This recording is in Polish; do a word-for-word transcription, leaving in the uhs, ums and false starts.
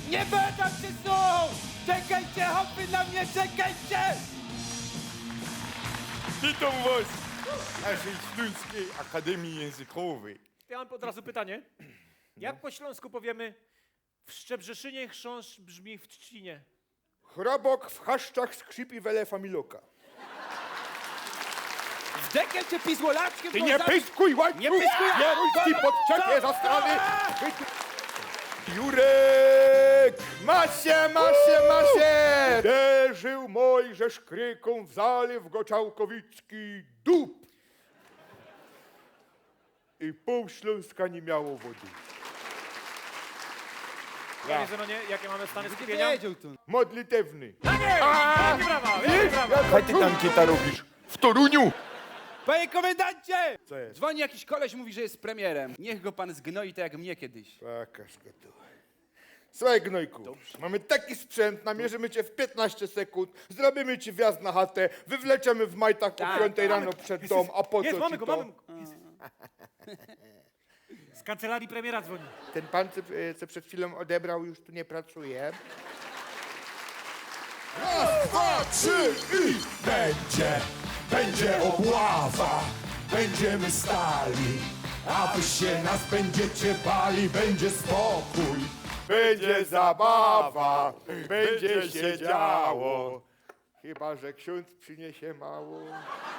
Nie badam się tu! Czekajcie, hopy na mnie, czekajcie! Witam was w naszej Śląskiej Akademii Językowej. Ja mam od razu pytanie. Jak po śląsku powiemy w Szczebrzeszynie chrząszcz brzmi w Trzcinie? Chrobok w chaszczach skrzypi wele familoka. W dekiel cię pizłolaczkiem! Ty nie pyskuj, łańcuch! Nie pyskuj! Kieruński podczepię za strony! Jurek! Masie, masie, masie! Uderzył Mojżesz kryką w zalew Goczałkowicki dup. I pół Śląska nie miało wody. Panie Zenonie, jakie mamy stany Nie skupienia? wiedział tu. Modlitewny. A nie! Wielkie brawa, wielkie brawa! Jak ty tam kita robisz? W Toruniu! Panie komendancie! Co jest? Dzwoni jakiś koleś, mówi, że jest premierem. Niech go pan zgnoi tak jak mnie kiedyś. Pokaż go tu. Słuchaj, Gnojku, mamy taki sprzęt, namierzymy cię w piętnaście sekund, zrobimy ci wjazd na chatę, wywleczemy w majtach o Tak, piątej rano przed dom, a po Jest, co mamy ci go, to? mamy go. Jest. Z kancelarii premiera dzwoni. Ten pan, co, e, co przed chwilą odebrał, już tu nie pracuje. Raz, dwa, trzy i będzie, będzie obława, będziemy stali, a wy się nas będziecie bali, będzie spokój. Będzie zabawa, będzie się działo, chyba że ksiądz przyniesie mało.